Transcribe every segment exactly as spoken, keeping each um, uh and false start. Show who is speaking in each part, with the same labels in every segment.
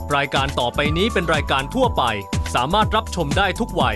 Speaker 1: รายการต่อไปนี้เป็นรายการทั่วไปสามารถรับชมได้ทุกวัย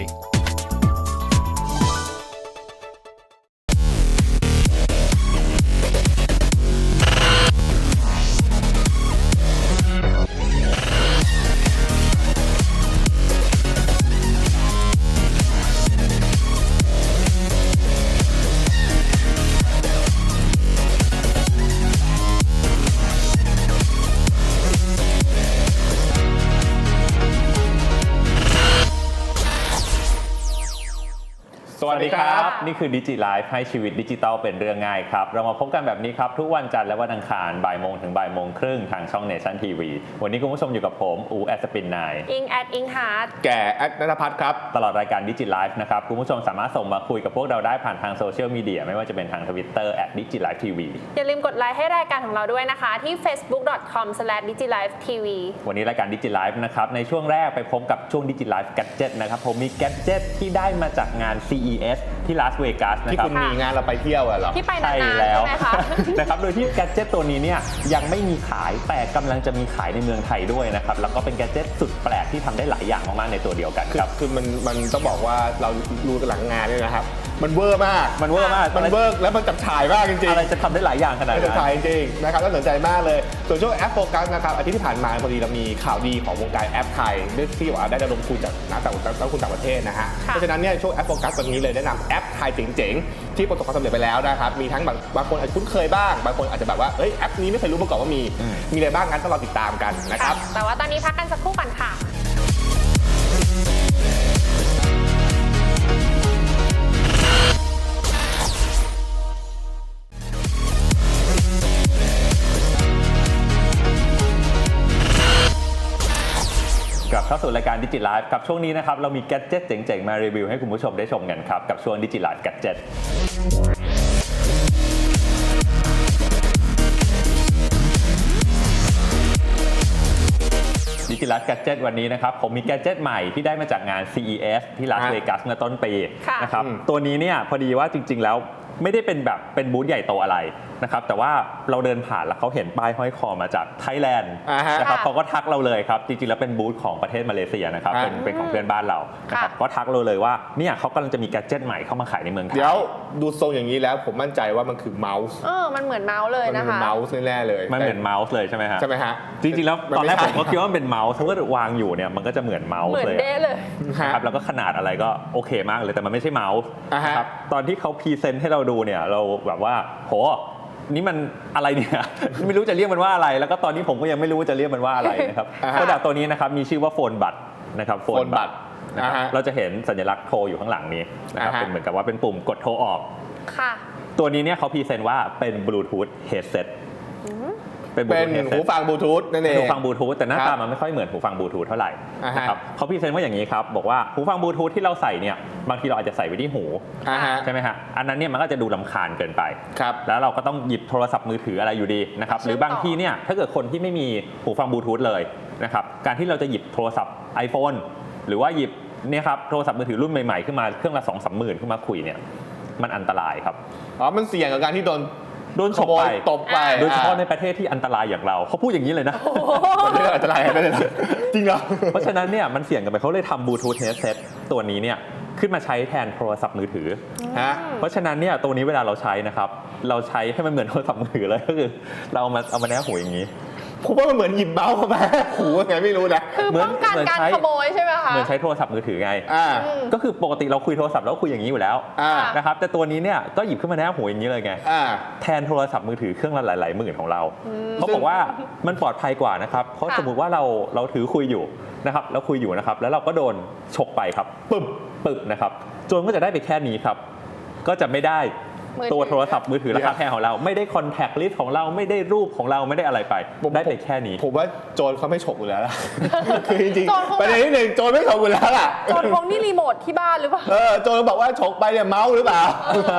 Speaker 2: สวัสดีครับนี่คือ Digi Life ให้ชีวิตดิจิทัลเป็นเรื่องง่ายครับเรามาพบกันแบบนี้ครับทุกวันจันทร์และวันอังคารบ่ายโมงถึงบ่ายโมงครึ่งทางช่อง Nation ที วี วันนี้คุณผู้ชมอยู่กับผมอูแอดสปินนาย
Speaker 3: อิงแอดอิงฮาร์ด
Speaker 4: แก่แอดณัฐพัฒน์ครับ
Speaker 2: ตลอดรายการ Digi Life นะครับคุณผู้ชมสามารถส่งมาคุยกับพวกเราได้ผ่านทางโซเชียลมีเดียไม่ว่าจะเป็นทาง Twitter แอท ดิจิไลฟ์ทีวี
Speaker 3: อย่าลืมกดไลค์ให้รายการของเราด้วยนะคะที่ เฟซบุ๊ก ดอท คอม สแลช ดิจิไลฟ์ทีวี
Speaker 2: วันนี้รายการ Digi Life นะครับในช่วงแรกไปพบกับช่วง Digi Life Gadget นะครับผมมี Gadget ที่ได้มาจากงาน ซี อี เอส ที่ลาสเวกัส
Speaker 4: ที่คุณมีงานเราไปเที่ยวเหรอ
Speaker 3: ที่ไปนานๆ
Speaker 2: ใช่
Speaker 3: ใช่
Speaker 2: แล้ว
Speaker 3: ไหมคะ
Speaker 2: นะครับโดยที่แกดเจ็ตตัวนี้เนี่ยยังไม่มีขายแต่กำลังจะมีขายในเมืองไทยด้วยนะครับแล้วก็เป็นแกดเจ็ตสุดแปลกที่ทำได้หลายอย่างมากๆในตัวเดียวกันครับ
Speaker 4: คือมันมันต้องบอกว่าเราดูหลังงานเนี่ยนะครับมันเวอร์มาก
Speaker 2: มันเวอร์มาก
Speaker 4: มันเวอร์แล้วมันจับฉ่ายมากจริงๆ
Speaker 2: อะไรจะทำได้หลายอย่างขนาดนั้น
Speaker 4: จับฉ่ายจริงๆนะครับน่าสนใจมากเลยส่วนช่วงแอปโฟกัสนะครับอาทิตย์ที่ผ่านมาพอดีเรามีข่าวดีของวงการแอปไทยด้วยที่ว่าได้ระดมทุนจากนักต่างนักทุนต่างประเทศนะฮะเพราะฉะนั้นเนี่ยช่วงแอปโฟกัสวันนี้เลยแนะนำแอปไทยเจ๋งๆที่ประสบความสำเร็จไปแล้วนะครับมีทั้งบางบางคนอาจจะคุ้นเคยบ้างบางคนอาจจะแบบว่าเอ้ยแอปนี้ไม่เคยรู้มาก่อนว่ามีมีอะไรบ้างงั้นต้องรอติดตามกันนะครับ
Speaker 3: แต่ว่าตอนนี้พักกันสักครู่ก่อนค่ะ
Speaker 2: กลับเข้าสู่รายการ Digi Life ครับช่วงนี้นะครับเรามีแกดเจ็ตเจ๋งๆมารีวิวให้คุณผู้ชมได้ชมกันครับกับช่วง Digi Life Gadget Digi Life Gadget วันนี้นะครับผมมีแกดเจ็ตใหม่ที่ได้มาจากงาน ซี อี เอส ที่ลาสเวกัสเมื่อต้นปีนะครับตัวนี้เนี่ยพอดีว่าจริงๆแล้วไม่ได้เป็นแบบเป็นบูธใหญ่โตอะไรนะครับแต่ว่าเราเดินผ่านแล้วเขาเห็นป้ายห้อยคอมาจากไทยแลนด์นะครับเขาก็ทักเราเลยครับจริงๆแล้วเป็นบูธของประเทศมาเลเซียนะครับเป็นเป็นของเพื่อนบ้านเรานะครับก็ทักเราเลยว่าเนี่ยเขากำลังจะมีแกดเจ็ตใหม่เข้ามาขายในเมืองไทย
Speaker 4: เดี๋ยวดูทรงอย่างนี้แล้วผมมั่นใจว่ามันคือเมาส์
Speaker 3: เออมันเหมือนเมาส์เลยนะคะ
Speaker 4: มันเป็นเมาส์แน่ๆเลย
Speaker 2: มันเหมือนเมาส์เลยใช่ไหมฮะ
Speaker 4: ใช่ไหมฮะ
Speaker 2: จริงๆแล้วตอนแรกผมก็คิดว่ามันเป็นเมาส์ถ้าเกิดวางอยู่เนี่ยมันก็จะเหมือนเมาส์เลย
Speaker 3: เหมือนเด้เลย
Speaker 2: ครับแล้วก็ขนาดอะไรก็โอเคมากเลยแต่มันไม่ใช่เมาส์ครับตอนที่เขาพรีเซนต์ให้เราดูเนี่ยเราแบบว่าโหนี่มันอะไรเนี่ยไม่รู้จะเรียกมันว่าอะไรแล้วก็ตอนนี้ผมก็ยังไม่รู้ว่าจะเรียกมันว่าอะไรนะครับโปรดักต์ตัวนี้นะครับมีชื่อว่าโฟนบัตนะครับโฟนบัตนะครับเราจะเห็นสัญลักษณ์โทรอยู่ข้างหลังนี้นะครับเป็นเหมือนกับว่าเป็นปุ่มกดโทรออก
Speaker 3: ค่ะ
Speaker 2: ตัวนี้เนี่ยเขาพรีเซนต์ว่าเป็นบลูทูธเฮดเซ็ต
Speaker 4: เป็นหูฟังบลูทูธนั่นเอง
Speaker 2: หูฟังบลูทูธแต่หน้าตามันไม่ค่อยเหมือนหูฟังบลูทูธเท่าไหร่นะครับเขาพรีเซนต์ว่าอย่างนี้ครับบอกว่าหูฟังบลูทูธที่เราใส่เนี่ยบางทีเราอาจจะใส่ไว้ที่หูใช่ไหมฮะอันนั้นเนี่ยมันก็จะดูรำคาญเกินไปแล้วเราก็ต้องหยิบโทรศัพท์มือถืออะไรอยู่ดีนะครับหรือบางทีเนี่ยถ้าเกิดคนที่ไม่มีหูฟังบลูทูธเลยนะครับการที่เราจะหยิบโทรศัพท์ iPhone หรือว่าหยิบเนี่ยครับโทรศัพท์มือถือรุ่นใหม่ๆขึ้นมาเครื่องละ สองถึงสามหมื่นขึ้นมาคุยเนี่ยมันอันตรายครับ
Speaker 4: อ๋อมันเสี่ยงกับการที่โดน
Speaker 2: โดนฉกไป
Speaker 4: ตบไป
Speaker 2: โดยเฉพาะในประเทศที่อันตรายอย่างเราเขาพูดอย่างนี้เลยนะ
Speaker 4: ประเทศอันตรายไม่ได้จริงเหรอ
Speaker 2: เพราะฉะนั้นเนี่ยมันเสี่ยงกันไปเขาเลยทำบลูทูธเฮดเซ็ตตัวนี้เนี่ยขึ้นมาใช้แทนโทรศัพท์มือถือเพราะฉะนั้นเนี่ยตัวนี้เวลาเราใช้นะครับเราใช้ให้มันเหมือนโทรศัพท์มือถือเลยก็คือเราเอามาเอามาแนบหูอย่างนี้
Speaker 4: ผมว่ามันเหมือนหยิบเมาส์มาหูไงไม่รู้นะ
Speaker 3: คือป้องกันการขโมยใช่ไหมคะ
Speaker 2: เหมือนใช้โทรศัพท์มือถือไงก็คือปกติเราคุยโทรศัพท์แล้วคุยอย่างนี้อยู่แล้วนะครับแต่ตัวนี้เนี่ยก็หยิบขึ้นมาแนบหูอย่างนี้เลยไงแทนโทรศัพท์มือถือเครื่องละหลายๆหมื่นของเราเขาบอกว่ามันปลอดภัยกว่านะครับเพราะสมมุติว่าเราเราถือคุยอยู่นะครับแล้วคุยอยู่นะครับแล้วเราก็โดนฉกไปครับปึ๊บปึ๊บนะครับโจรก็จะได้ไปแค่นี้ครับก็จะไม่ได้ตัวโทรศัพท์มือถือราคาแพงของเราไม่ได้คอนแทคลิสต์ของเราไม่ได้รูปของเราไม่ได้อะไรไปได้ไปแค่นี้
Speaker 4: ผมว่าโจรเขาไม่ฉกอยู่แล้วล่ะคือจริงๆประเด็นที่หนึ่งโจรไม่ฉกอยู่แล้วล่ะ
Speaker 3: โจรคงนี่รีโมทที่บ้านหรือเปล่า
Speaker 4: เออโจรบอกว่าฉกไปเนี่ยเมาส์หรือเปล่า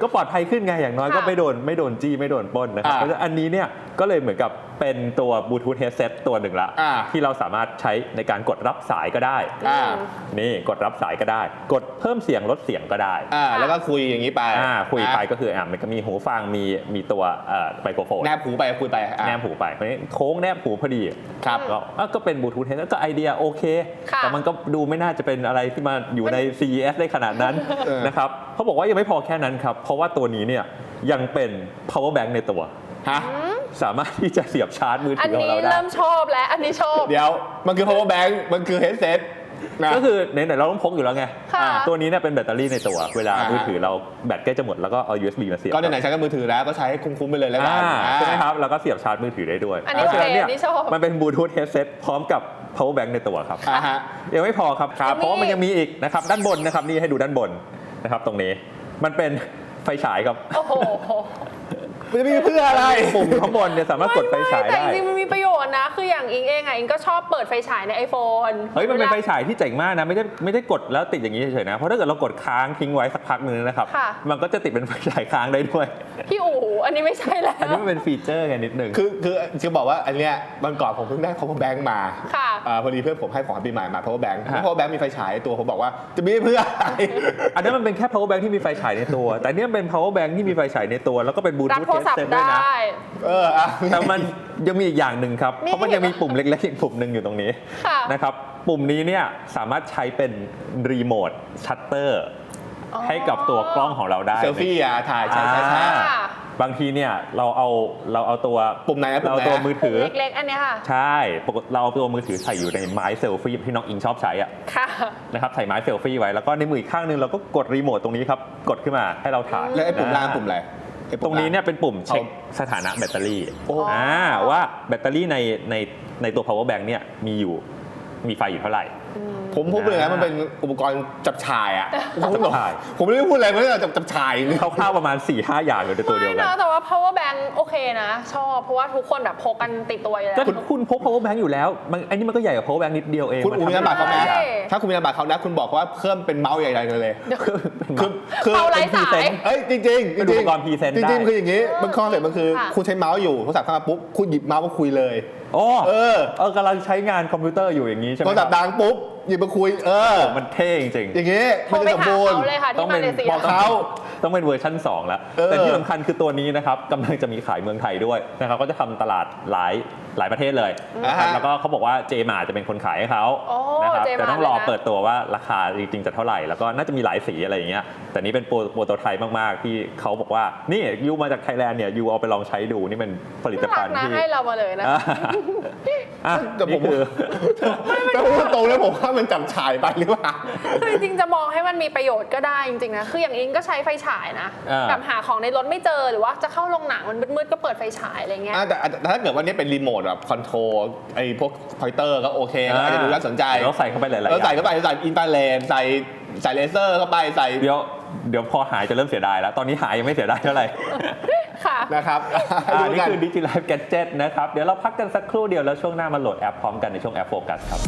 Speaker 2: ก็ปลอดภัยขึ้นไงอย่างน้อยก็
Speaker 3: ค่ะ
Speaker 2: ไม่โดนไม่โดนจี้ไม่โดนปล้นนะครับ
Speaker 4: อ่า
Speaker 2: เพราะฉะนั้นอันนี้เนี่ยก็เลยเหมือนกับเป็นตัวบลูทูธเฮดเซ็ตตัวหนึ่งละ
Speaker 4: อ่า
Speaker 2: ที่เราสามารถใช้ในการกดรับสายก็ได้
Speaker 4: อ่า
Speaker 2: นี่กดรับสายก็ได้ กดเพิ่มเสียงลดเสียงก็ได้
Speaker 4: อ่าแล้วก็คุยอย่างนี้ไป
Speaker 2: อ่าคุยไปก็คืออ่ะมันก็มีหูฟังมีมีตัวเอ่อไมโครโฟน
Speaker 4: แนบหูไปคุยไปอ่ะ
Speaker 2: แนบหูไปเพราะฉะนั้นโค้งแนบหูพอดี
Speaker 4: ครับ
Speaker 2: ก็อ่ะก็เป็นบลูทูธเฮดเซ็ตก็ไอเดียโอเค
Speaker 3: ค่ะ
Speaker 2: แต่มันก็ดูไม่น่าจะเป็นอะไรที่มาอยู่ใน ซี อี เอส ได้ขนาดนั้น
Speaker 4: เออ
Speaker 2: นะครับเขาบอกว่ายังไม่พอแค่นั้นครับเพราะว่าตัวนี้เนี่ยยังเป็น power bank ในตัว
Speaker 4: ฮะ
Speaker 2: สามารถที่จะเสียบชาร์จมือ
Speaker 3: อั
Speaker 2: ถื
Speaker 3: น
Speaker 2: อของ
Speaker 3: นี้
Speaker 2: เราได้
Speaker 3: เริ่มชอบแล้วอันนี้ชอบ
Speaker 4: เดี๋ยวมันคือ power bank มันคือ headset นะ
Speaker 2: ก็คือไหนๆเราต้องพกอยู่แล้วไง
Speaker 3: ค่ะ
Speaker 2: อ่าตัวนี้เนี่ยเป็นแบตเตอรี่ในตัว เวลา
Speaker 4: อ่าฮะ
Speaker 2: มือถือเราแบตใกล้จะหมดแล้วก็เอา ยู เอส บี มาเสียบ
Speaker 4: ก็ไหนๆใช้กับมือถือแล้วก็ใช้ให้คุ้มๆไปเลยแล้วกัน
Speaker 2: อ่า
Speaker 4: อ่า
Speaker 2: ใช่ไหมครับแล้วก็เสียบชาร์จมือถือได้ด้วย
Speaker 3: อันนี้
Speaker 2: เพราะฉะนั้นเนี่ย
Speaker 3: โอเคอันนี้ชอบ
Speaker 2: มันเป็นบลูทูธเฮดเซ็ตพร้อมกับ power bank ในตัวครับ
Speaker 4: อ่าฮะ
Speaker 2: ยังไม่พอครับ
Speaker 3: ครับ
Speaker 2: เพราะว่ามันยังมีอีกนะครับด้านบนนะครับนี่ให้ดูด้านบนนะครับตรงนี้มันเป็นไฟฉายครับ
Speaker 3: โอ้โห
Speaker 4: มันจะมีเพื่ออะไร
Speaker 2: ปุ่มข้างบนเนี่ยสามารถกดไฟฉาย
Speaker 3: แต่
Speaker 2: ได้
Speaker 3: จริงๆมันมีประโยชน์นะ คืออย่างอิงเองอ่ะอิงก็ชอบเปิดไฟฉายใน iPhone
Speaker 2: เฮ้ยมันเป็นไฟฉายที่เจ๋งมากนะไม่ได้ไม่ได้กดแล้วติดอย่างนี้เฉยๆนะเพราะถ้าเกิดเรากดค้างทิ้งไว้สักพักหนึงนะครับ
Speaker 3: ค่ะ
Speaker 2: มันก็จะติดเป็นไฟฉายค้างได้ด้วย
Speaker 3: พี่อู๋อันนี้ไม่ใช่แล้ว
Speaker 2: อันนี้มันเป็นฟีเจอร์ไงนิดนึง
Speaker 4: คือคือจะบอกว่าอันเนี้ยวันก่อนผมเพิ่งได้ power bank มา
Speaker 3: ค่ะ
Speaker 4: อ่าพอดีเพื่อนผมให้ของปีใหม่มา power bank
Speaker 2: ฮะ
Speaker 4: power bank มีไฟฉายตัวผมบอกว่าจะมีเพื่ออะไร
Speaker 2: อันนั้นมันเป็นแค่ power bank ที่มีไฟฉายในตัว แต่เนี่ยเป็น power bank ที่มีไฟฉายในตัว แล้วก็เป็นบลู
Speaker 3: รับ
Speaker 2: ทูธ
Speaker 3: โทรศัพ
Speaker 2: เฮดเซ็ต
Speaker 3: ท์
Speaker 2: ด้วย
Speaker 3: ได
Speaker 2: นะ
Speaker 3: ้
Speaker 4: เอออ่ะ
Speaker 2: แต่มันยังมีอีกอย่างหนึ่งครับ
Speaker 3: นี่
Speaker 2: เพราะมันยังมีปุ่มเล็กๆอีกปุ่มหนึ่งอยู่ตรงนี้
Speaker 3: ค่ะ
Speaker 2: นะครับปุ่มนี้เนี่ยสามารถใช้เป็นรีโมทชัตเตอร์
Speaker 3: อ๋อ
Speaker 2: ให้กับตัวกล้องของเราได้
Speaker 4: เซลฟี่อ่ะถ่ายใช่ใช่ใช่
Speaker 2: อ่า
Speaker 3: ค่ะ
Speaker 2: บางทีเนี่ยเราเอาเราเอาตัว
Speaker 4: ปุ่มไหนนะปุ่ม
Speaker 2: เรา
Speaker 4: ไหน
Speaker 2: เอาตัวมือถือ
Speaker 3: เล็กๆ อันเนี้ยค่ะ
Speaker 2: ใช่ปกติเราเอาตัวมือถือใส่อยู่ในไม้เซลฟี่ที่น้องอิงชอบใช้อะ
Speaker 3: ค่ะ
Speaker 2: นะครับใส่ไม้เซลฟี่ไว้แล้วก็ในมืออีกข้างหนึงเราก็กดรีโมทตรงนี้ครับกดขึ้นมาให้เราถ่าย
Speaker 4: แล้วไอ้ปุ่มล่างปุ่มอะไรไอ้
Speaker 2: ต
Speaker 4: ปุ่
Speaker 2: ร
Speaker 4: ม
Speaker 2: ง
Speaker 4: ล่า
Speaker 2: นี้เนี่ยเป็นปุ่มเช็คสถานะแบตเตอรี่
Speaker 4: โอ้
Speaker 2: อ่าว่าแบตเตอรี่ในในในตัว power bank เนี่ยมีอยู่มีไฟอยู่เท่าไหร่
Speaker 4: ผมพูดไปเลยนะมันเป็นอุปกรณ์จับฉายอ่ะผมไม่
Speaker 2: จับฉาย
Speaker 4: ผมไม่ได้พูดอะไรไม่ได้จับจับฉายนี่
Speaker 2: คร่าวๆประมาณ สี่ห้า อย่างอยู่ในตัวเดียว
Speaker 3: ไม่
Speaker 2: กัน
Speaker 3: นะแต่ว่า power bank โอเคนะ ชอบ เพราะว่าทุกคนแบบพกกันติดตัวอยู่แล้ว
Speaker 2: ก็คุณพก power bank อยู่แล้วมันไอ้นี่มันก็ใหญ่กว่า power bank นิดเดียวเอง
Speaker 4: คุณอูมีนามบัตรเขาไหม
Speaker 3: ใช่
Speaker 4: ถ้าคุณมีนามบัตรเขานะคุณบอกว่าเพิ่มเป็นเมาส์ใหญ่ๆเลย คือคือ
Speaker 3: เมาส์ไร้สาย
Speaker 4: เอ้ยจริงๆจริงๆ
Speaker 2: เป็นอุปกรณ์ present
Speaker 4: จริง
Speaker 2: ได้
Speaker 4: ๆคืออย่างนี้มันคอนเซ็ปต์มันคือ
Speaker 3: ค่ะ
Speaker 4: คุณใช้เมาส์อยู่โทรศัพท์เข้ามาปุ๊บคุณหยิบเมาส์มาคุยเลย
Speaker 2: โอ้
Speaker 4: เออ
Speaker 2: เออกำลังใช้งานคอมพิวเตอร์อยู่อย่างนี้ใช่ไหม
Speaker 4: โทรศัพท์ดังปุ๊บหยิบมาคุย เออ
Speaker 2: มันเท่จริงๆ
Speaker 4: อย่างนี้
Speaker 3: โท
Speaker 4: มัน
Speaker 3: รไป
Speaker 4: จะสม
Speaker 3: หา
Speaker 4: บูรณ์
Speaker 3: เขาเลยค่ะ
Speaker 2: ต้อ
Speaker 3: ที่
Speaker 2: ง
Speaker 3: มา
Speaker 2: เป็น
Speaker 3: เลเซีย
Speaker 4: บอกเขา
Speaker 2: ต้องเป็นเวอร์ชั่นสองแล้ว
Speaker 4: เออ
Speaker 2: แต่ที่สำคัญคือตัวนี้นะครับกำลังจะมีขายเมืองไทยด้วยนะครับก็จะทำตลาดหลายหลายประเทศเลยนะครับ
Speaker 4: อ่าฮะ
Speaker 2: แล้วก็เขาบอกว่าเจมาจะเป็นคนขายให้เขา
Speaker 3: โอ้
Speaker 2: นะครับ
Speaker 3: J-Mart
Speaker 2: แต่ต้องรอ
Speaker 3: เลยนะ
Speaker 2: เปิดตัวว่าราคาจริงๆจะเท่าไหร่ แล้วก็น่าจะมีหลายสีอะไรอย่างเงี้ยแต่นี้เป็นโปรโปรโตไทป์มากๆที่เขาบอกว่านี่ยูมาจากไทยแลนด์เนี่ยยูเอาไปลองใช้ดูนี่เป็นผลิต
Speaker 3: น่า
Speaker 2: ภั
Speaker 3: รั
Speaker 2: ณ
Speaker 3: ก
Speaker 2: ฑ์
Speaker 3: นะ
Speaker 2: ที่
Speaker 3: ให้เรามาเลยนะ
Speaker 2: อ่ะอ่ะ
Speaker 4: แต่ผม
Speaker 2: นี่คือ
Speaker 4: แต่พูดตรงๆเลยผมว่ามันจับฉายไปหรือเปล่า
Speaker 3: คือจริงๆจะมองให้มันมีประโยชน์ก็ได้จริงๆนะ คืออย่างอิงก็ใช้ไฟฉายนะ
Speaker 2: อ่า
Speaker 3: แบบหาของในรถไม่เจอหรือว่าจะเข้าโรงหนังมันมืดๆก็เปิดไฟฉายอะไรเงี้ย
Speaker 4: อ่ะแต่แต่ถ้าเกิดว่านี่เป็นรีโมทแบบคอนโทรลไอ้พวกพอยเตอร์ก็โอเคก็อาจจะดูน่าสนใจ
Speaker 2: แล้วใส่เข้าไปหลายๆอ
Speaker 4: แล้วใส่
Speaker 2: ย่าง
Speaker 4: เข้าไปใส่อินฟราเรดใส่ใส่เลเซอร์เข้าไปใส่
Speaker 2: เดี๋ยวเดี๋ยวพอหายจะเริ่มเสียดายแล้ว ตอนนี้หายยังไม่เสียดายเท่าไหร่
Speaker 3: ค่ะ
Speaker 4: นะครับ
Speaker 2: อ่า
Speaker 4: ดู
Speaker 2: นี่
Speaker 4: กัน
Speaker 2: คือ DigiLife Gadget นะครับ เดี๋ยวเราพักกันสักครู่เดียวแล้วช่วงหน้ามาโหลดแอปพร้อมกันในช่วงแอปโฟกัสครับ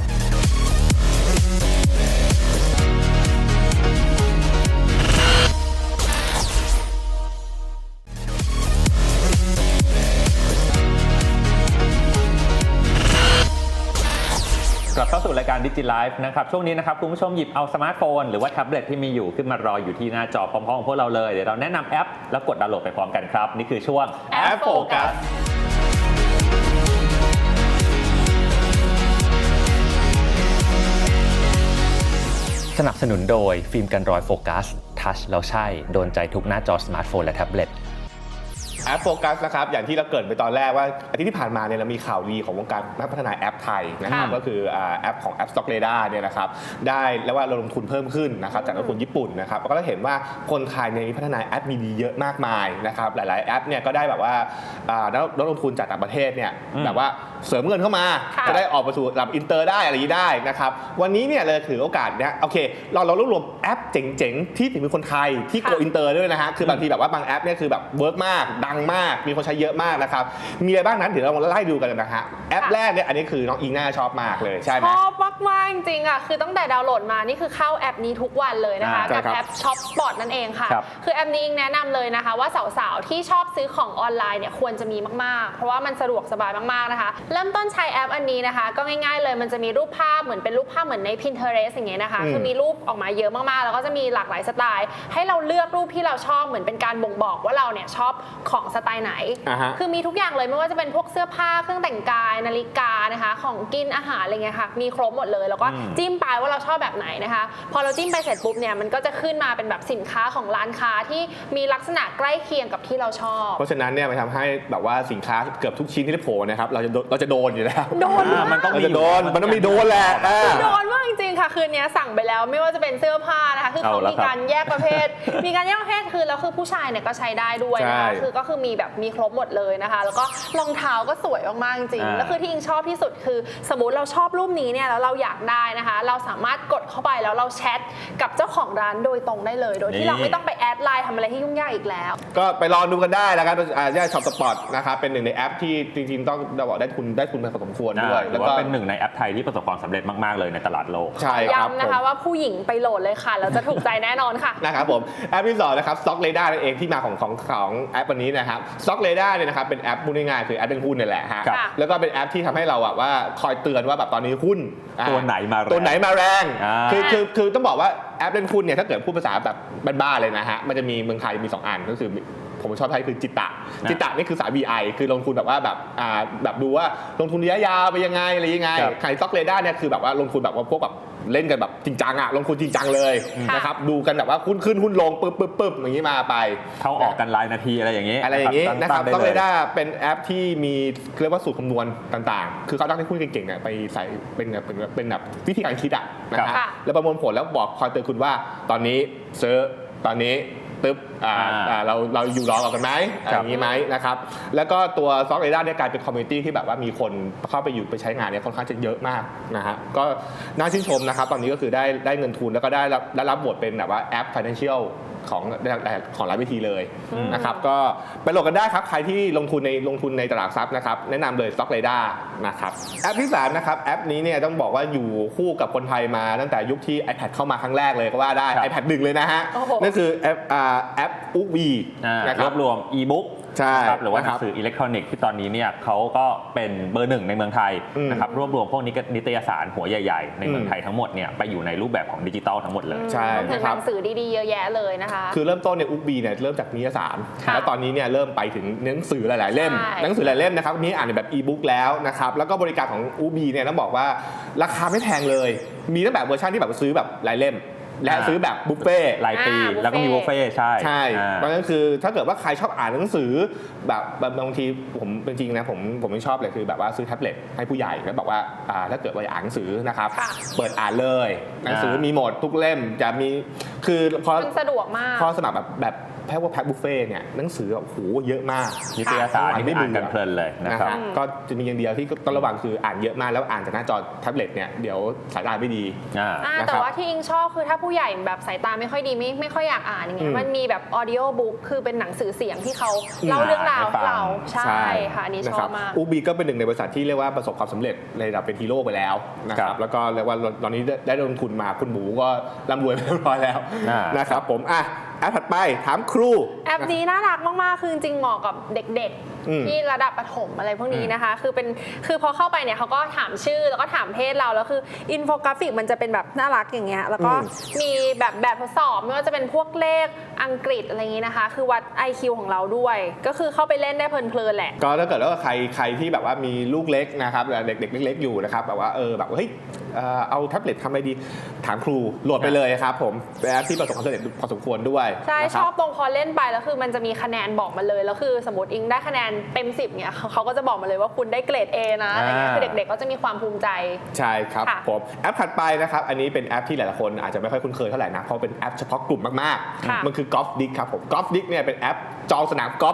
Speaker 2: กลับเข้าสู่รายการ DigiLife นะครับช่วงนี้นะครับคุณผู้ชมหยิบเอาสมาร์ทโฟนหรือว่าแท็บเล็ตที่มีอยู่ขึ้นมารออยู่ที่หน้าจอพร้อมๆของพวกเราเลยเดี๋ยวเราแนะนำแอปแล้วกดดาวน์โหลดไปพร้อมกันครับนี่คือช่วง
Speaker 3: แอปโฟกัส
Speaker 5: สนับสนุนโดยฟิล์มกันรอยโฟกัสทัชแล้วใช่โดนใจทุกหน้าจอสมาร์ทโฟนและแท็บเล็ต
Speaker 4: แอปโฟกัสนะครับอย่างที่เราเกริดไปตอนแรกว่าอาทิตย์ที่ผ่านมาเนี่ยเรามีข่าวดีของวงการนักพัฒนาแอปไทยนะครับ
Speaker 3: ค่ะ
Speaker 4: ก็คืออ่าแอปของ App Stock Radar เนี่ยนะครับได้แล้วว่าเราลงทุนเพิ่มขึ้นนะครับจากนักลงทุนญี่ปุ่นนะครับก็ได้เห็นว่าคนไทยในยมีพัฒนาแอปมีดีเยอะมากมายนะครับหลายๆแอปเนี่ยก็ได้แบบว่าอ่านักลงทุนจากต่างประเทศเนี่ย
Speaker 2: อืม
Speaker 4: แบบว่าเสริมเงินเข้ามา
Speaker 3: ค่ะ
Speaker 4: จะได้ออกไปสู่ระดับอินเตอร์ได้อะไรอย่างนี้ได้นะครับวันนี้เนี่ยเลยถือโอกาสเนี่ยโอเคเราเรารวบรวมแอปเจ๋งๆที่ถึงเป็นคนไทยที่โกอินเตอร์ด้วยนะฮะคือบางทีแบบว่าบางแอปเนี่ยคือแบบเวิร์กมากดังงมากมีคนใช้เยอะมากนะครับมีอะไรบ้างนั้นเดี๋ยวเราไล่ดูกันนะฮะแอปแรกเนี่ยอันนี้คือน้องอิงน่าชอบมากเลยใช่ไหม
Speaker 3: ชอบมากๆจริงๆอ่ะคือตั้งแต่ดาวน์โหลดมานี่คือเข้าแอปนี้ทุกวันเลยนะคะกับแอปช็อปสปอตนั่นเองค่ะคือแอปนี้อิงแนะนำเลยนะคะว่าสาวๆที่ชอบซื้อของออนไลน์เนี่ยควรจะมีมากๆเพราะว่ามันสะดวกสบายมากๆนะคะเริ่มต้นใช้แอปอันนี้นะคะก็ง่ายๆเลยมันจะมีรูปภาพเหมือนเป็นรูปภาพเหมือนใน Pinterest อย่างเงี้ยนะคะคือมีรูปออกมาเยอะมากๆแล้วก็จะมีหลากหลายสไตล์ให้เราเลือกรูปที่เราชอบเหมือนเป็นการบ่งบอกว่าเราเนี่ยชอบของสไตล์ไหน
Speaker 4: uh-huh.
Speaker 3: คือมีทุกอย่างเลยไม่ว่าจะเป็นพวกเสื้อผ้าเครื่องแต่งกายนาฬิกานะคะของกินอาหารอะไรเงี้ยค่ะมีครบหมดเลยแล้วก็จิ้มไปว่าเราชอบแบบไหนนะคะพอเราจิ้มไปเสร็จปุ๊บเนี่ยมันก็จะขึ้นมาเป็นแบบสินค้าของร้านค้าที่มีลักษณะใกล้เคียงกับที่เราชอบ
Speaker 4: เพราะฉะนั้นเนี่ยมันทำให้แบบว่าสินค้าเกือบทุกชิ้นที่โผล่นะครับเราจะเราจะโดนอยู่แล้ว
Speaker 3: โดน
Speaker 2: มันต้องมี
Speaker 4: โดนมันต้องมีโดนแหละ
Speaker 3: โดนมากจริงๆค่ะคืนนี้สั่งไปแล้วไม่ว่าจะเป็นเสื้อผ้านะคะคือเขามีการแยกประเภทมีการแยกประเภทคือแล้วคือผู้ชายเนี่ยก็ใช้ได้ด้วยนะคะคือก็คือมีแบบมีครบหมดเลยนะคะแล้วก็รองเท้าก็สวยมากๆจริงแล้วคือที่อิงชอบที่สุดคือสมมติเราชอบรูปนี้เนี่ยแล้วเราอยากได้นะคะเราสามารถกดเข้าไปแล้วเราแชทกับเจ้าของร้านโดยตรงได้เลยโดยที่เราไม่ต้องไปแอดไลน์ทำอะไรที่ยุ่งยากอีกแล้ว
Speaker 4: ก็ไปลองดูกันได้แล้วกันอ่าย่าช็อปสปอร์ตนะครับเป็นหนึ่งในแอปที่จริงๆต้องบอกได้ทุนได้ทุนพอสมควรด้วย
Speaker 2: แล้วก็เป็นหนึ่งในแอปไทยที่ประสบความสำเร็จมากๆเลยในตลาดโลก
Speaker 4: ใช่ครับ
Speaker 3: ย้ำนะคะว่าผู้หญิงไปโหลดเลยค่ะแล้วจะถูกใจแน่นอนค่ะ
Speaker 4: นะครับผมแอปที่สองนะครับ Stock Radar นั่นเองที่มาของของของแอปวันนี้นะครับ Stock Radar เนี่ยนะครับเป็นแอปพูดง่ายๆคือแอปเป็นหุ้นนี่แหละฮะแล้วก็เป็นแอปที่ทำให้เราอะว่าคอยเตือนว่าแบบตอนนี้หุ้น
Speaker 2: ตัวไหนมา
Speaker 4: ตัวไหนมาแรงคือคือคือต้องบอกว่าแอปเล่นหุ้นเนี่ยถ้าเกิดพูดภาษาแบบบ้านๆเลยนะฮะมันจะมีเมืองไทยมีสองอันก็คือผมชอบใช้คือจิตตะจิตตะนี่คือสาย วี ไอ คือลงทุนแบบว่าแบบอ่าแบบดูว่าลงทุนระยะยาวไปยังไงอะไรยังไงใคร Stock Radar เนี่ยคือแบบว่าลงทุนแบบว่าพวกแบบเล่นกันแบบจริงจังอะลงทุนจริงจังเลยนะครับดูกันแบบว่าหุ้นขึ้นหุ้นลงปึ๊บปึ๊บปึ๊บอย่างนี้มาไป
Speaker 2: เข้าออกกันรายนาทีอะไรอย่างนี้
Speaker 4: อะไรอย่างนี้นะครับStock Radarเป็นแอปที่มีเรียกว่าสูตรคำนวณต่างๆคือเขาตั้งให้หุ้นเก่งๆเนี่ยไปใส่เป็นแบบเป็นแบบวิธีการคิดอะนะฮะแล้วประมวลผลแล้วบอกคอยเตือนคุณว่าตอนนี้ซื้อตอนนี้ตึ๊บเราเราอยู่รอกันไหมอย่างนี้ไหมนะครับแล้วก็ตัว Stock Radar เนี่ยกลายเป็นคอมมูนิตี้ที่แบบว่ามีคนเข้าไปอยู่ไปใช้งานเนี่ยค่อนข้างจะเยอะมากนะฮะก็น่าชื่นชมนะครับตอนนี้ก็คือได้ได้เงินทุนแล้วก็ได้รับได้รับบทเป็นแบบว่าแอป Financial ของของหลายวิธีเลยนะครับก็ไปโหลดกันได้ครับใครที่ลงทุนในลงทุนในตลาดทรัพย์นะครับแนะนำเลย Stock Radar นะครับแอปที่สามนะครับแอปนี้เนี่ยต้องบอกว่าอยู่คู่กับคนไทยมาตั้งแต่ยุคที่ iPad เข้ามาครั้งแรกเลยก็ว่าได้ iPad หนึ่งเลยนะฮะนั่นคือแอปแอปอุ๊กบี
Speaker 2: รวบรวมอีบุ๊ก
Speaker 4: ใช่
Speaker 2: หรือว่าหนังสืออิเล็กทรอนิกส์ที่ตอนนี้เนี่ยเขาก็เป็นเบอร์หนึ่งในเมืองไทยนะครับรวบรวมพวกนิตยสารหัวใหญ่ๆในเมืองไทยทั้งหมดเนี่ยไปอยู่ในรูปแบบของดิจิตอลทั้งหมดเลย
Speaker 3: ใช่นะครับหนังสือดีๆเยอะแยะเลยนะคะ
Speaker 4: คือเริ่มต้นเนี่ยอุ๊กบีเนี่ยเริ่มจากนิตยสารแล้วตอนนี้เนี่ยเริ่มไปถึงหนังสือหลายๆเล่มหนังสือหลายเล่มนะครับนี้อ่านแบบอีบุ๊กแล้วนะครับแล้วก็บริการของอุ๊กบีเนี่ยต้องบอกว่าราคาไม่แพงเลยมีตั้งแต่เวอร์ชันที่แบบซื้อแบบรายเล่มและซื้อแบบบุฟเฟ่
Speaker 2: รายปีแล้วก็มีบุฟเฟ่ใช่
Speaker 4: ใช่เพราะฉะนั้นคือถ้าเกิดว่าใครชอบอ่านหนังสือแบบบางทีผมเป็นจริงนะผมผมไม่ชอบเลยคือแบบว่าซื้อแท็บเล็ตให้ผู้ใหญ่แล้วบอกว่าถ้าเกิดว่าอยากอ่านหนังสือนะครับเปิดอ่านเลยหนังสือมีหมดทุกเล่มจะมีคือพอ
Speaker 3: มันสะดวกมาก
Speaker 4: พอสมัครแบบแบบแพ็คว่าแพ็คบุฟเฟ่เนี่ยหนังสือโอ้โหเยอะมาก
Speaker 2: นิตยสารไม่อ่านกันเพลินเลยนะครับ
Speaker 4: ก็จะมีอย่างเดียวที่ต้องระวังคืออ่านเยอะมากแล้วอ่านจากหน้าจอแท็บเล็ตเนี่ยเดี๋ยวสายตาไม่ดี
Speaker 3: แต่ว่าที่อิงชอบคือถ้าผู้ใหญ่แบบสายตาไม่ค่อยดีไม่ไม่ค่อยอยากอ่านอย่างเงี้ยมันมีแบบออดิโอบุ๊กคือเป็นหนังสือเสียงที่เขาเล่าเรื่องราวให้เราใช่ค่ะอันนี้ชอบมาก
Speaker 4: อูบีก็เป็นหนึ่งในบริษัทที่เรียกว่าประสบความสำเร็จในระดับเป็นฮีโร่ไปแล้วนะครับแล้วก็เรียกว่าตอนนี้ได้ลงทุนมาคุณหมูก็ร่ำรวยไปเรียบร้อยแล้วนะครับผมอ่ะแอปถัดไปถามครู
Speaker 3: แอปนี้น่ารักมากๆคือจริงๆเหมาะกับเด็กๆที่ระดับประถมอะไรพวกนี้นะคะคือเป็นคือพอเข้าไปเนี่ยเขาก็ถามชื่อแล้วก็ถามเพศเราแล้วคืออินโฟกราฟิกมันจะเป็นแบบน่ารักอย่างเงี้ยแล้วก็มีแบบแบบทดสอบไม่ว่าจะเป็นพวกเลขอังกฤษอะไรอย่างงี้นะคะคือวัด ไอ คิว ของเราด้วยก็คือเข้าไปเล่นได้เพลินๆแหละ
Speaker 4: ก็ถ้าเกิดว่าใครใครที่แบบว่ามีลูกเล็กนะครับเด็กๆเล็กๆอยู่นะครับแบบว่าเออแบบเฮ้ยเอาแท็บเล็ตทำอะไรดีถามครูโหลดไปเลยครับผมเป็นแอปที่ประสบความสำเร็จพอสมควรด้วย
Speaker 3: ใช่ชอบตรงพอเล่นไปแล้วคือมันจะมีคะแนนบอกมาเลยแล้วคือสมมติอิงได้คะแนนเต็มสิบเนี่ยเขาก็จะบอกมาเลยว่าคุณได้เกรด A นะอะไรเงี้ยคือเด็กๆก็จะมีความภูมิใจ
Speaker 4: ใช่ครับผมแอปถัดไปนะครับอันนี้เป็นแอปที่หลายๆคนอาจจะไม่ค่อยคุ้นเคยเท่าไหร่นะเพราะเป็นแอปเฉพาะกลุ่มมากๆมันคือ Golf Dick ครับผม Golf Dick เนี่ยเป็นแอปจองสนามกอล์ฟ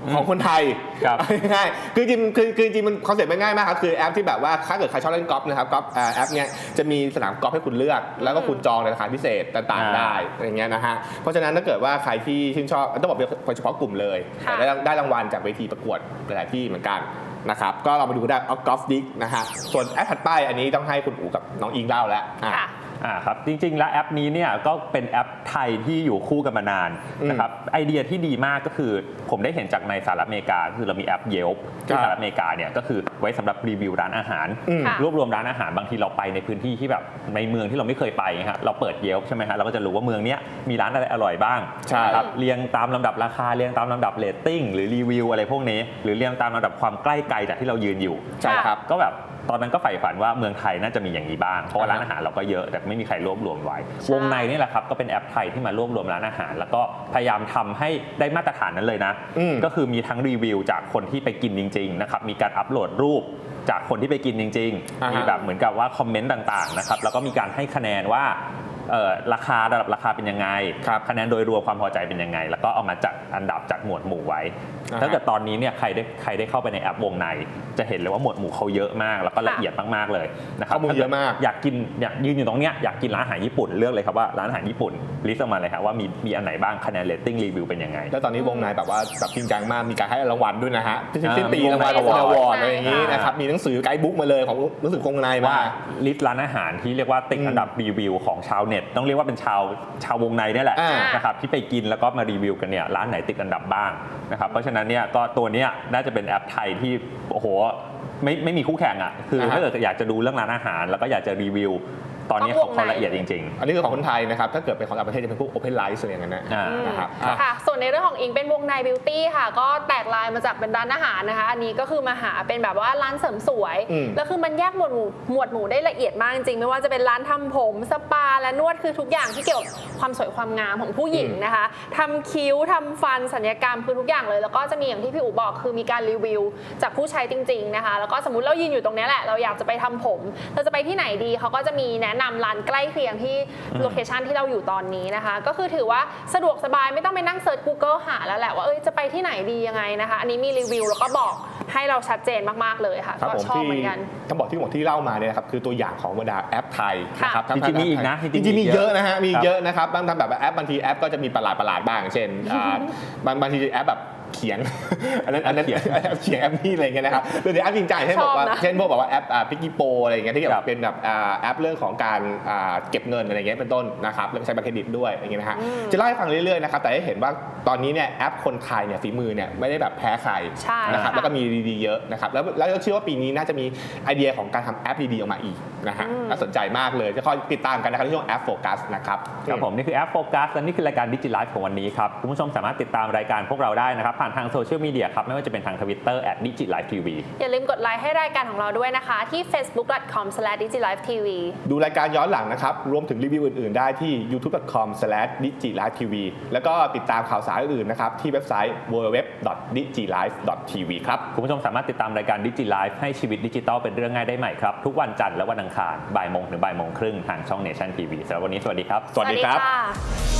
Speaker 4: ของคนไทย
Speaker 2: ครับ
Speaker 4: ง่ายคือจริงคือคือจริงมันคอนเซ็ปต์มันง่ายมากครับคือแอปที่แบบว่าถ้าเกิดใครชอบเล่นกอล์ฟนะครับกอล์ฟแอปเนี้ยจะมีสนามกอล์ฟให้คุณเลือกแล้วก็คุณจองในราคาพิเศษต่างๆได้อย่างเงี้ยนะฮะเพราะฉะนั้นถ้าเกิดว่าใครที่ชื่นชอบต้องบอกเป็นเฉพาะกลุ่มเลยได้ได้รางวัลจากเวทีประกวดหลายที่เหมือนกันนะครับก็เรามาดูได้เอากอล์ฟดิกนะฮะส่วนแอปถัดไปอันนี้ต้องให้คุณอู๋กับน้องอิงเล่าแล้ว
Speaker 2: อ่าครับจริงๆแล้วแอปนี้เนี่ยก็เป็นแอปไทยที่อยู่คู่กันมานานนะครับไอเดียที่ดีมากก็คือผมได้เห็นจากในสหรัฐอเมริกาคือเรามีแอป Yelp ที่สหรัฐอเมริกาเนี่ยก็คือไว้สำหรับรีวิวร้านอาหารรวบรวมร้านอาหารบางทีเราไปในพื้นที่ที่แบบในเมืองที่เราไม่เคยไปฮะเราเปิด Yelp ใช่ไหมฮะเราก็จะรู้ว่าเมืองนี้มีร้านอะไรอร่อยบ้างครับเรียงตามลำดับราคาเรียงตามลำดับเรตติ้งหรือรีวิวอะไรพวกนี้หรือเรียงตามลำดับความใกล้ไกลจากที่เรายืนอยู่
Speaker 4: ใช่ครับ
Speaker 2: ก็แบบตอนนั้นก็ใฝ่ฝันว่าเมืองไทยน่าจะมีอย่างนี้บ้างเพราะว่าร้านอาหารเราก็เยอะแต่ไม่มีใครรวบรวมไว้วงในนี่แหละครับก็เป็นแอปไทยที่มารวบรวมร้านอาหารแล้วก็พยายามทำให้ได้มาตรฐานนั้นเลยนะก็คือมีทั้งรีวิวจากคนที่ไปกินจริงๆนะครับมีการอัปโหลดรูปจากคนที่ไปกินจริงๆมีแบบเหมือนกับว่าคอมเมนต์ต่างๆนะครับแล้วก็มีการให้คะแนนว่าราคาระดับราคาเป็นยังไงคะแนนโดยรวมความพอใจเป็นยังไงแล้วก็เอามาจัดอันดับจากหมวดหมู่ไว้ถ้าเกิดตอนนี้เนี่ยใครได้ใครได้เข้าไปในแอปวงในจะเห็นเลยว่าหมวดหมู่เขาเยอะมากแล้วก็ละเอียดมากๆเลยนะครับ
Speaker 4: ข้อมูลเยอะมาก
Speaker 2: อยากกินอยากยืนอยู่ตรงเนี้ยอยากกินร้านอาหารญี่ปุ่นเลือกเลยครับว่าร้านอาหารญี่ปุ่นลิสต์ออกมาเลยครับว่ามีมีอันไหนบ้างคะแนนเรตติ้งรีวิวเป็นยังไง
Speaker 4: แล้วตอนนี้วงในแบบว่าแบบจริงจังมากมีการให้รางวัลด้วยนะฮะสิ้นปีรางวัลอวอร์ดอะไรอย่างนี้นะครับมีหนังสือไกด์บุ๊กมาเลยของหนังสือวงใน
Speaker 2: ว่าลิสต์ร้านอาหารที่เรียกว่าติดอันดับรีวิวของชาวเน็ตต้องเรียกว่าเป็นชาวชาววงในนี่แหละนะครับที่ไปกินแล้วก็มารีวิวกันเนี่ยร้านไหนติดอันดับบ้างนะครับเพราะฉะนั้นเนี่ยก็ตัวนี้น่าจะเป็นแอปไทยที่โอ้โหไม่ไม่มีคู่แข่งอ่ะคือถ้าเกิดอยากจะดูเรื่องร้านอาหารแล้วก็อยากจะรีวิวตอนนี้เขาละเอียดจริงๆ
Speaker 4: อันนี้คือของคนไทยนะครับถ้าเกิดเป็นของต่างประเทศจะเป็นพวก Open Life อะไรอย่างเงี้ยนะครับ
Speaker 3: ค่ะส่วนในเรื่องของอิงเป็นวงในบิวตี้ค่ะก็แตกลายมาจากเป็นร้านอาหารนะคะอันนี้ก็คือมาหาเป็นแบบว่าร้านเสริมสวยแล้วคือมันแยกหมวดหมู่หมวดหมู่ได้ละเอียดมากจริงไม่ว่าจะเป็นร้านทำผมสปาและนวดคือทุกอย่างที่เกี่ยวกับความสวยความงามของผู้หญิงนะคะทำคิ้วทำฟันศัลยกรรมคือทุกอย่างเลยแล้วก็จะมีอย่างที่พี่อู๋บอกคือมีการรีวิวจากผู้ใช้จริงๆนะคะแล้วก็สมมุติเรายืนอยู่ตรงนี้แหละเราอยากจะไปทำผมเราจะไปที่ไหนดีเขาก็จะมีแนะนำร้านใกล้เคียงที่โลเคชันที่เราอยู่ตอนนี้นะคะก็คือถือว่าสะดวกสบายไม่ต้องไปนั่งเซิร์ช Google หาแล้วแหละว่าเอ้ยจะไปที่ไหนดียังไงนะคะอันนี้มีรีวิวแล้วก็บอกให้เราชัดเจนมากๆเลยค่ะก็ชอบเหมือนกัน
Speaker 4: ต้องบอกที่หมดที่เล่ามาเนี่ยครับคือตัวอย่างของบรรดาแอปไทยนะครับ
Speaker 2: จริงๆมีอีกนะ
Speaker 4: จริงๆมีเยอะนะฮะมีเยอะนะครับบางทำแบบแอปบางทีแอปก็จะมีประหลาดประหลาดบ้างเช่นบางบางทีแอปแบบเขียนอันนั้นอันนั้นเขียนเขียนแอปนี่อะไรเงี้ยนะครับโดยในแอปจริงจังเช่นบอกว่าเช่นพวกบอกว่าแอปพิกกี้โปอะไรเงี้ยที่แบบเป็นแบบแอปเรื่องของการเก็บเงินอะไรเงี้ยเป็นต้นนะครับแล้วใช้บัตรเครดิตด้วยอย่างเงี้ยนะฮะจะเล่าให้ฟังเรื่อยๆนะครับแต่ให้เห็นว่าตอนนี้เนี่ยแอปคนไทยเนี่ยฝีมือเนี่ยไม่ได้แบบแพ้ใครนะครับแล้วก็มีดีๆเยอะนะครับแล้วแล้วเชื่อว่าปีนี้น่าจะมีไอเดียของการทำแอปดีๆออกมาอีกนะฮะน่าสนใจมากเลยจะคอยติดตามกันนะครับในช่วงแอปโฟกัสนะครับ
Speaker 2: ครับผมนี่คือแอปโฟกัสและนี่คือรายการดิจิไลฟ์ของวันนี้ครับคุณผู้ชมสามารถติดตามรายการพวกเราได้นะครับผ่านทางโซเชียลมีเดียครับไม่ว่าจะเป็นทาง Twitter แอท ดิจิไลฟ์ทีวี
Speaker 3: อย่าลืมกดไลค์ให้รายการของเราด้วยนะคะที่ เฟซบุ๊ก ดอท คอม สแลช ดิจิไลฟ์ทีวี
Speaker 4: ดูรายการย้อนหลังนะครับรวมถึงรีวิวอื่นๆได้ที่ ยูทูบ ดอท คอม สแลช ดิจิไลฟ์ทีวี แล้วก็ติดตามข่าวสารอื่นๆนะครับที่เว็บไซต์ ดับเบิลยู ดับเบิลยู ดับเบิลยู ดอท ดิจิไลฟ์ ดอท ทีวี ครับ
Speaker 2: คุณผู้ชมสามารถติดตามรายการดิจิไลฟ์ให้ชีวิตดิจิทัลเป็นเรื่องง่ายได้ใหม่ครับทุกวันจันทร์และวันอังคารบ่ายโมงถึงบ่ายโมงครึ่งทางช่อง Nation ที วี สำหรับวันนี้สวัสดีครับ
Speaker 4: สวัสดีครับ